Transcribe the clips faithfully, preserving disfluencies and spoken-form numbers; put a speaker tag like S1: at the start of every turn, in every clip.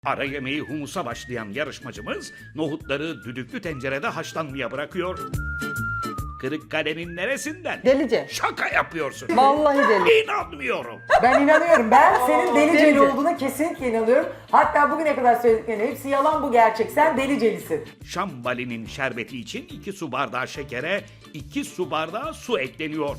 S1: Ara yemeği humusa başlayan yarışmacımız nohutları düdüklü tencerede haşlanmaya bırakıyor. Kırıkkale'nin neresinden?
S2: Delice.
S1: Şaka yapıyorsun.
S2: Vallahi deli.
S1: İnanmıyorum.
S3: Ben inanıyorum. Ben senin deliceli
S2: Delice.
S3: olduğuna kesinlikle inanıyorum. Hatta bugüne kadar söylediklerin hepsi yalan, bu gerçek. Sen delicelisin.
S1: Şambalinin şerbeti için iki su bardağı şekere iki su bardağı su ekleniyor.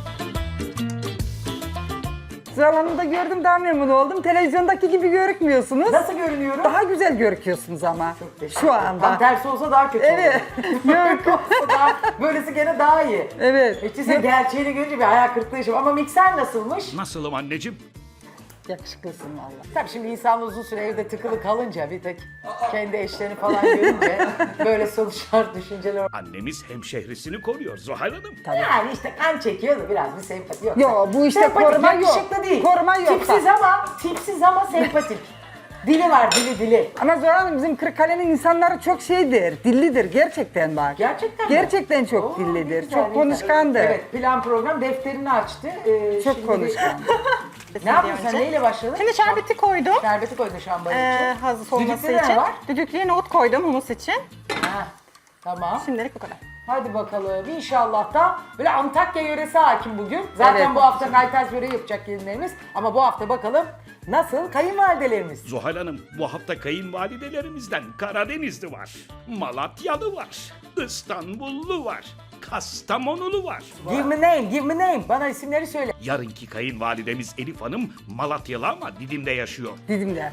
S2: Zamanında gördüm, daha memnun oldum. Televizyondaki gibi görükmüyorsunuz.
S3: Nasıl görünüyorum?
S2: Daha güzel görüküyorsunuz ama. Şu
S3: Tam
S2: anda.
S3: tersi olsa daha kötü
S2: Evet.
S3: olur. Yok. olsa daha, böylesi gene daha iyi.
S2: Evet.
S3: İşte sen gerçeğini görünce bir hayal kırıklığı yaşadım. Ama mikser nasılmış?
S1: Nasılım anneciğim?
S2: Yakışıklısın valla.
S3: Tabii şimdi insan uzun süre evde tıkılı kalınca bir tek kendi eşlerini falan görünce böyle sonuçlar, düşünceler.
S1: Annemiz hemşehrisini koruyor Zuhal Hanım.
S3: Yani işte kan çekiyor da biraz bir sempati yok.
S2: Yo, bu işte
S3: Sempatik,
S2: koruma yok.
S3: yakışıklı değil.
S2: Koruma yok.
S3: Tipsiz ama, tipsiz ama sempatik. Dili var, dili dili.
S2: Ama Zoran Hanım, bizim Kırıkkale'nin insanları çok şeydir, dillidir gerçekten bak.
S3: Gerçekten mi?
S2: Gerçekten çok
S3: Oo, ne
S2: dillidir,
S3: güzel,
S2: çok
S3: ne
S2: konuşkandır.
S3: güzel. Evet, plan program defterini açtı. Ee,
S2: Çok
S3: şimdi
S2: konuşkan.
S3: Bir... ne yapıyorsun sen, neyle başladın?
S4: Şimdi şerbeti koydum.
S3: Şerbeti koydun şambanın
S4: Ee,
S3: için.
S4: hazır olması
S3: Düdüklüde ne
S4: için.
S3: var?
S4: Düdüklüye nohut koydum humus için.
S3: Ha, tamam.
S4: Şimdilik bu kadar.
S3: Hadi bakalım. İnşallah da böyle Antakya yöresi hakim bugün. Zaten
S2: Evet.
S3: bu hafta kaytaz böreği yapacak gelinlerimiz. Ama bu hafta bakalım nasıl kayınvalidelerimiz.
S1: Zuhal Hanım, bu hafta kayınvalidelerimizden Karadenizli var, Malatyalı var, İstanbullu var, Kastamonulu var.
S3: Give me name, give me name. Bana isimleri söyle.
S1: Yarınki kayınvalidemiz Elif Hanım Malatyalı ama Didim'de yaşıyor.
S2: Didim'de.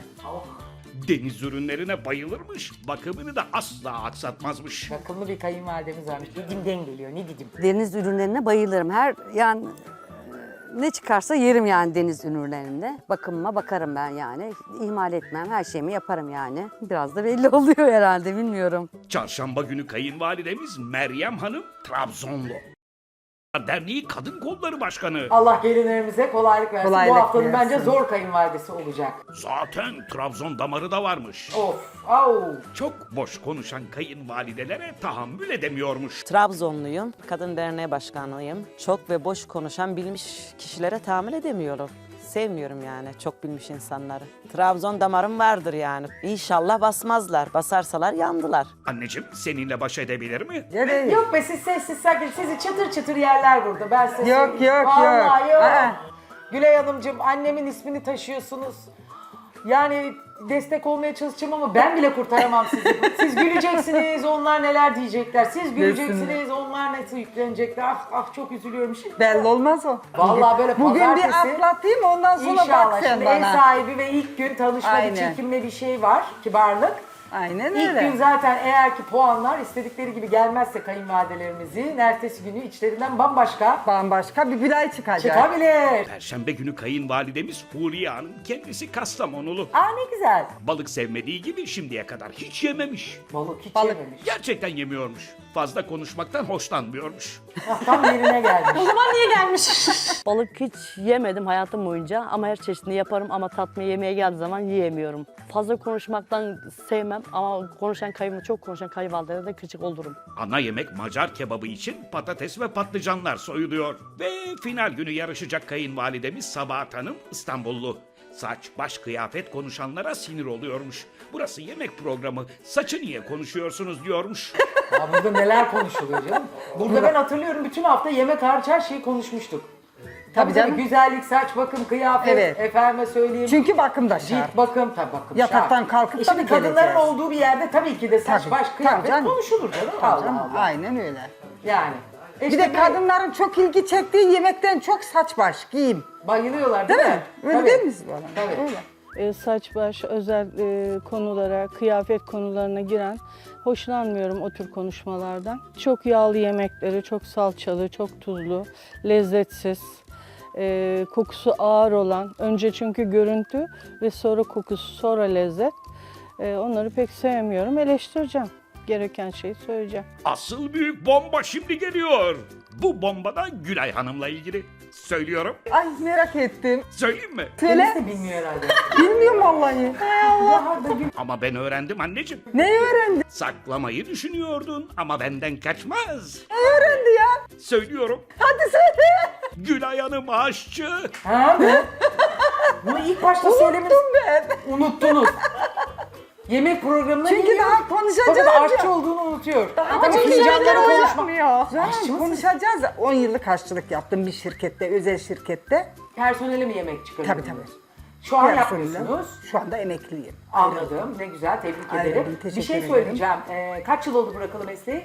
S1: Deniz ürünlerine bayılırmış, bakımını da asla aksatmazmış.
S3: Bakımlı bir kayınvalidemiz varmış. Didim'den geliyor. Ne Didim?
S5: Deniz ürünlerine bayılırım. Her yani e, ne çıkarsa yerim yani deniz ürünlerinde. Bakımıma bakarım ben yani. İhmal etmem. Her şeyimi yaparım yani. Biraz da belli oluyor herhalde, bilmiyorum.
S1: Çarşamba günü kayınvalidemiz Meryem Hanım Trabzonlu. Derneği Kadın Kolları Başkanı.
S3: Allah gelinlerimize kolaylık versin.
S2: Kolaylık
S3: bu haftanın
S2: versin.
S3: bence zor kayınvalidesi olacak.
S1: Zaten Trabzon damarı da varmış.
S3: Of, au.
S1: Çok boş konuşan kayınvalidelere tahammül edemiyormuş.
S6: Trabzonluyum, kadın derneği başkanıyım. Çok ve boş konuşan bilmiş kişilere tahammül edemiyorum. Sevmiyorum yani çok bilmiş insanları. Trabzon damarım vardır yani. İnşallah basmazlar. Basarsalar yandılar.
S1: Anneciğim seninle baş edebilir mi?
S2: Nereye?
S3: Yok be, siz sessiz sakin. Sizi çıtır çıtır yerler burada. Ben size
S2: Yok,
S3: söyleyeyim.
S2: yok,
S3: Vallahi
S2: yok.
S3: yok.
S2: Aa.
S3: Gülay Hanımcığım, annemin ismini taşıyorsunuz. Yani destek olmaya çalışacağım ama ben bile kurtaramam sizi. Siz güleceksiniz, onlar neler diyecekler. Siz güleceksiniz, onlar nasıl yüklenecekler. Ah ah, çok üzülüyorum şimdi.
S2: Belli olmaz o.
S3: Vallahi böyle
S2: Bugün bir
S3: pazartesi-
S2: atlatayım, ondan sonra
S3: İnşallah.
S2: bak sen
S3: Şimdi ev
S2: bana.
S3: sahibi ve ilk gün tanışma, bir
S2: Aynen.
S3: çekimle bir şey var, kibarlık.
S2: Aynen
S3: İlk
S2: öyle.
S3: gün zaten eğer ki puanlar istedikleri gibi gelmezse kayınvalidelerimizin ertesi günü içlerinden bambaşka
S2: Bambaşka bir Gülay çıkacak.
S3: çıkabilir.
S1: Perşembe günü kayınvalidemiz Huriye Hanım kendisi Kastamonulu.
S3: Aa, ne güzel.
S1: Balık sevmediği gibi şimdiye kadar hiç yememiş.
S3: Balık hiç
S2: Balık.
S3: yememiş.
S1: Gerçekten yemiyormuş. Fazla konuşmaktan hoşlanmıyormuş.
S3: Ah, tam yerine gelmiş.
S4: O zaman niye gelmiş?
S7: Balık hiç yemedim hayatım boyunca ama her çeşidini yaparım ama tatmaya yemeğe geldiği zaman yiyemiyorum. Fazla konuşmaktan sevmem ama konuşan kayımı çok konuşan kayınvalidelere de gıcık olurum.
S1: Ana yemek Macar kebabı için patates ve patlıcanlar soyuluyor. Ve final günü yarışacak kayınvalidemiz Sabahat Hanım İstanbullu. Saç, baş, kıyafet konuşanlara sinir oluyormuş. Burası yemek programı, saçı niye konuşuyorsunuz diyormuş.
S3: Ya burada neler konuşuluyor canım. Burada ben hatırlıyorum, bütün hafta yemek hariç her şeyi konuşmuştuk. Tabii
S2: canım.
S3: tabii, güzellik, saç, bakım, kıyafet,
S2: Evet.
S3: efendime söyleyeyim.
S2: Çünkü bakım da şart.
S3: Cilt bakım, tabii bakım
S2: Yataktan
S3: şart.
S2: kalkıp
S3: e şimdi
S2: tabii
S3: kadınların
S2: geleceğiz.
S3: olduğu bir yerde tabii ki de saç,
S2: Tabii,
S3: baş,
S2: tabii
S3: kıyafet
S2: canım.
S3: konuşulur canım.
S2: Tabii
S3: Allah
S2: canım,
S3: Allah.
S2: aynen öyle.
S3: Yani. E
S2: Bir
S3: işte
S2: de kadınların çok ilgi çektiği yemekten çok saç baş, giyim.
S3: bayılıyorlar değil,
S2: Değil mi?
S3: mi?
S2: Öyle
S3: Tabii.
S2: değil mi bana?
S3: Tabii.
S2: Öyle.
S8: E, saç baş özel e, konulara, kıyafet konularına giren hoşlanmıyorum o tür konuşmalardan. Çok yağlı yemekleri, çok salçalı, çok tuzlu, lezzetsiz, e, kokusu ağır olan, önce çünkü görüntü ve sonra kokusu, sonra lezzet. E, onları pek sevmiyorum, eleştireceğim. Gereken şeyi söyleyeceğim.
S1: Asıl büyük bomba şimdi geliyor. Bu bomba da Gülay Hanım'la ilgili. Söylüyorum.
S2: Ay merak ettim.
S1: Söyleyeyim mi?
S2: Söyle.
S3: Kendisi de bilmiyor herhalde.
S2: Bilmiyorum vallahi.
S3: Ya da gül-
S1: Ama ben öğrendim anneciğim.
S2: Ne öğrendi?
S1: Saklamayı düşünüyordun ama benden kaçmaz.
S2: Ne öğrendi ya?
S1: Söylüyorum.
S2: Hadi söyle.
S1: Gülay Hanım aşçı.
S3: Ha mı? Bunu ilk başta söylemeniz...
S2: Unuttum ben.
S3: Unuttunuz. Yemek programına
S2: Çünkü
S3: geliyor.
S2: daha konuşacağız
S3: Fakat
S2: ya.
S3: aşçı olduğunu unutuyor.
S4: Ama
S3: Tabii
S4: çünkü
S3: fincanları
S4: yemekleri o
S3: konuşma.
S4: yapmıyor.
S2: Canım,
S3: Aşçı mısın?
S2: konuşacağız. on yıllık aşçılık yaptım bir şirkette, özel şirkette.
S3: Personele mi yemek çıkarıyorsunuz?
S2: Tabii tabii.
S3: Şu an
S2: Personelle.
S3: yapmıyorsunuz.
S2: Şu anda emekliyim.
S3: Anladım. Ne güzel. Tebrik
S2: Ayrıldım,
S3: ederim. Bir
S2: teşekkür
S3: şey
S2: ederim.
S3: söyleyeceğim. Ee, kaç yıl oldu bırakalı mesleği?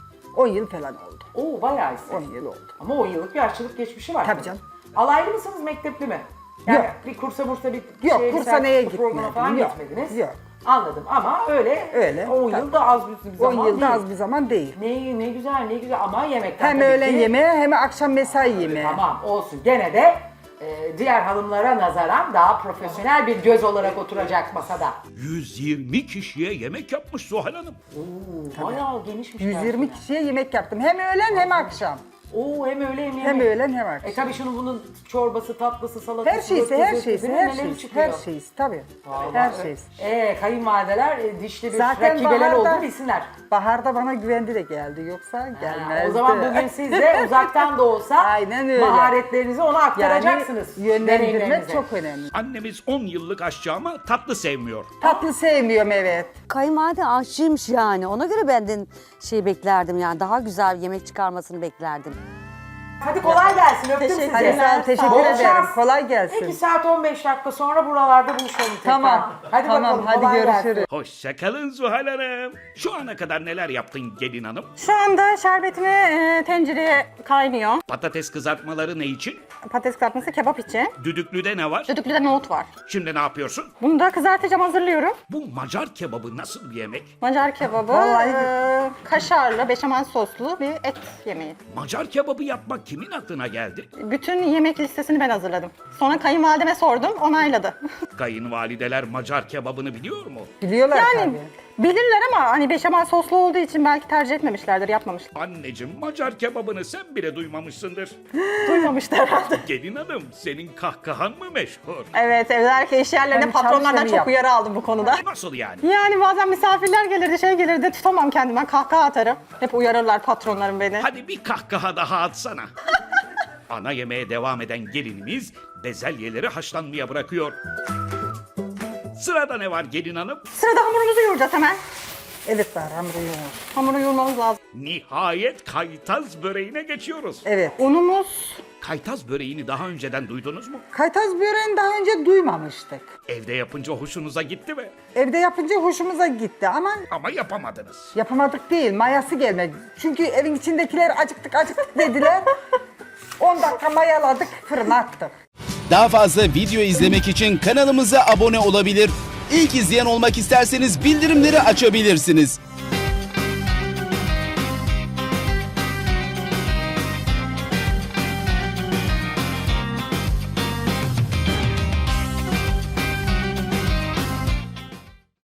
S2: on yıl falan oldu.
S3: Oo bayağı iyisi.
S2: on yıl oldu.
S3: Ama on yıllık bir aşçılık geçmişi var.
S2: Tabii canım.
S3: Alaylı mısınız, mektepli mi? Yani
S2: Yok.
S3: bir kursa bursa bir
S2: Yok,
S3: şeye,
S2: kursa neye
S3: bir programa
S2: gitmedim.
S3: falan
S2: Yok,
S3: gitmediniz.
S2: yok.
S3: Anladım ama öyle,
S2: Öyle,
S3: on
S2: tabii.
S3: yıl da az bir zaman
S2: on yılda
S3: değil.
S2: az bir zaman değil.
S3: Ne, ne güzel ne güzel ama yemekten
S2: Hem
S3: tabii
S2: öğlen
S3: ki-
S2: yemeği hem akşam mesai yemeği.
S3: Tamam olsun gene de e, diğer hanımlara nazaran daha profesyonel bir göz olarak oturacak masada.
S1: yüz yirmi kişiye yemek yapmış Zuhal Hanım.
S3: Oo, bayağı genişmiş.
S2: yüz yirmi
S3: personel.
S2: kişiye yemek yaptım. Hem öğlen hem akşam.
S3: Oo hem öyle hem yemek.
S2: Hem öğlen hem akşam.
S3: E tabii şunun bunun çorbası, tatlısı, salatası,
S2: Her şeysi,
S3: ötesi,
S2: her
S3: ötesi,
S2: şeysi,
S3: neleri
S2: her şeysi,
S3: çıkıyor.
S2: her şeysi tabii.
S3: Vallahi
S2: Her
S3: öyle.
S2: şeysi.
S3: Ee, kayınvalideler e, dişli bir
S2: Zaten
S3: rakibeler
S2: baharda-
S3: oldu bilsinler.
S2: Baharda bana güvendi de geldi yoksa
S3: Ha,
S2: gelmezdi.
S3: o zaman bugün siz de uzaktan da olsa
S2: Aynen öyle.
S3: maharetlerinizi ona aktaracaksınız.
S2: Yani yönlendirmek
S3: deneyimlerinizi.
S2: çok önemli.
S1: Annemiz on yıllık aşçı ama tatlı sevmiyor.
S2: Tatlı sevmiyorum evet.
S5: Kayınvalide aşçıymış yani. Ona göre benden şey beklerdim yani. Daha güzel yemek çıkarmasını beklerdim.
S3: Hadi kolay gelsin öptüm
S4: Teşekkür
S3: sizi.
S2: Hadi sağ ol, teşekkür
S3: Bol
S2: ederim.
S3: şans.
S2: Kolay gelsin.
S3: iki saat on beş dakika sonra buralarda buluşalım tekrar.
S2: Tamam.
S3: Hadi
S2: tamam,
S3: bakalım
S2: hadi
S3: kolay
S2: görüşürüz.
S3: gelsin.
S1: Hoşçakalın Zuhal Hanım. Şu ana kadar neler yaptın gelin hanım?
S4: Şu anda şerbetimi e, tencereye kaynıyor.
S1: Patates kızartmaları ne için?
S4: Patates kızartması kebap için.
S1: Düdüklüde ne var?
S4: Düdüklüde nohut var.
S1: Şimdi ne yapıyorsun?
S4: Bunu da kızartacağım, hazırlıyorum.
S1: Bu Macar kebabı nasıl bir yemek?
S4: Macar kebabı,
S2: Vallahi-
S4: e, kaşarlı, beşamel soslu bir et yemeği.
S1: Macar kebabı yapmak kimin aklına geldi?
S4: Bütün yemek listesini ben hazırladım. Sonra kayınvalideme sordum, onayladı.
S1: Kayınvalideler Macar kebabını biliyor mu?
S2: Biliyorlar
S4: Yani
S2: tabii.
S4: bilirler ama hani beşamel soslu olduğu için belki tercih etmemişlerdir, yapmamışlar.
S1: Anneciğim Macar kebabını sen bile duymamışsındır.
S4: Duymamışlar herhalde.
S1: Gelin hanım senin kahkahan mı meşhur?
S4: Evet, evlerdeki iş yerlerinde
S2: Ben
S4: patronlardan
S2: çalışanı
S4: çok
S2: yap.
S4: uyarı aldım bu konuda.
S1: Nasıl yani?
S4: Yani bazen misafirler gelirdi, şey gelirdi, tutamam kendime, kahkaha atarım. Hep uyarırlar patronlarım beni.
S1: Hadi bir kahkaha daha atsana. Ana yemeğe devam eden gelinimiz bezelyeleri haşlanmaya bırakıyor. Sırada ne var gelin hanım?
S4: Sırada hamurumuzu yoğuracağız hemen.
S2: Evet var hamuru yoğur.
S4: Hamuru yoğurmamız lazım.
S1: Nihayet kaytaz böreğine geçiyoruz.
S2: Evet.
S4: Unumuz,
S1: Kaytaz böreğini daha önceden duydunuz mu?
S2: Kaytaz böreğini daha önce duymamıştık.
S1: Evde yapınca hoşunuza gitti mi?
S2: Evde yapınca hoşumuza gitti ama
S1: Ama yapamadınız.
S2: yapamadık değil, mayası gelmedi. Çünkü evin içindekiler acıktık acıktık dediler. on dakika mayaladık, fırına attık.
S9: Daha fazla video izlemek için kanalımıza abone olabilir. İlk izleyen olmak isterseniz bildirimleri açabilirsiniz.